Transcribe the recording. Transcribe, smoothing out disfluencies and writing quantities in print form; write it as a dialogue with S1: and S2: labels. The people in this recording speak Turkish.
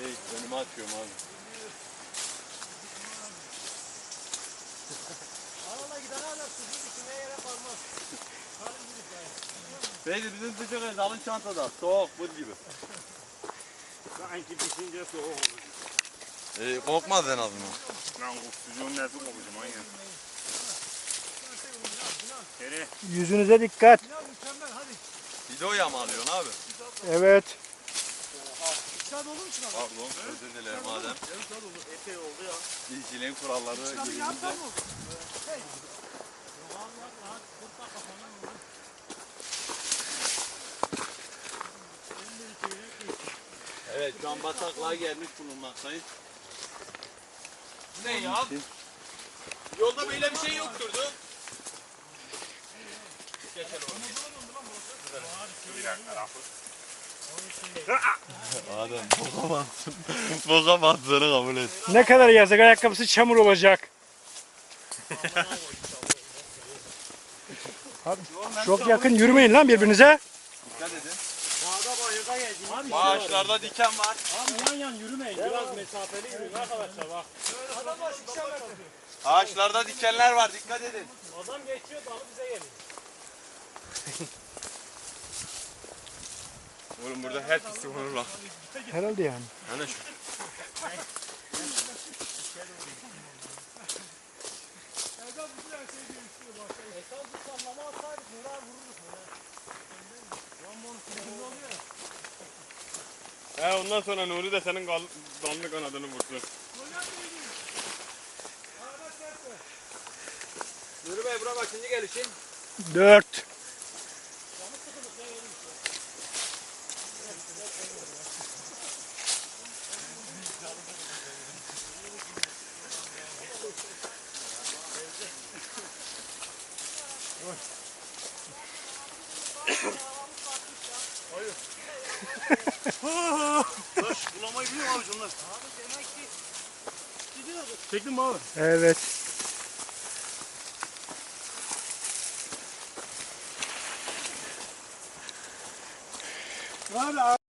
S1: Önüme atıyorum abi.
S2: Arada giden hala sucuğun içine yere kalmaz.
S1: Beydi bizim sucuk el alın çantada. Soğuk buz gibi.
S3: Sanki pişince soğuk olur.
S1: Kokmaz en azından.
S3: Lan sucuğun neresi kokacağım manyak. Kere.
S4: Yüzünüze dikkat.
S2: Mükemmel hadi.
S1: Videoya mı alıyorsun abi?
S4: Evet.
S2: Dikkat olur mu şuna?
S1: Pardon özür dilerim madem.
S3: Epey oldu ya.
S1: İşçiliğin kuralları gelince. Evet şu an bataklığa gelmiş bulunmaktayız.
S5: Ne ya? Yolda böyle bir şey yokturdu.
S3: Bir dakika lafı.
S1: Adem bokamazsın. Bokamazsını kabul et.
S4: Ne kadar yazık, ayakkabısı çamur olacak. Abi, çok yakın yürümeyin lan birbirinize.
S1: Dikkat edin.
S2: Dağda bayırda gezin.
S1: Ağaçlarda diken var.
S2: Abi yan yürümeyin. Biraz mesafeli yürüyün arkadaşlar bak. Adam başı
S1: Ağaçlarda dikenler var dikkat edin.
S2: Adam geçiyor dalı bize geliyor.
S1: Oğlum burada her pisi olur lan.
S4: Herhalde yani.
S1: Hani şu.
S2: Esas bir sallama atsaydık Nur'a vururduk Nur'a.
S3: He ondan sonra Nuri de senin kanlı kanadını vursun.
S5: Nuri Bey bura kaçıncı gelişin?
S4: 4.
S3: Taş bulamayı biliyor mu abi şunlar?
S2: Abi demek ki gidiyordu.
S3: Çektin mi abi?
S4: Evet.
S2: Abi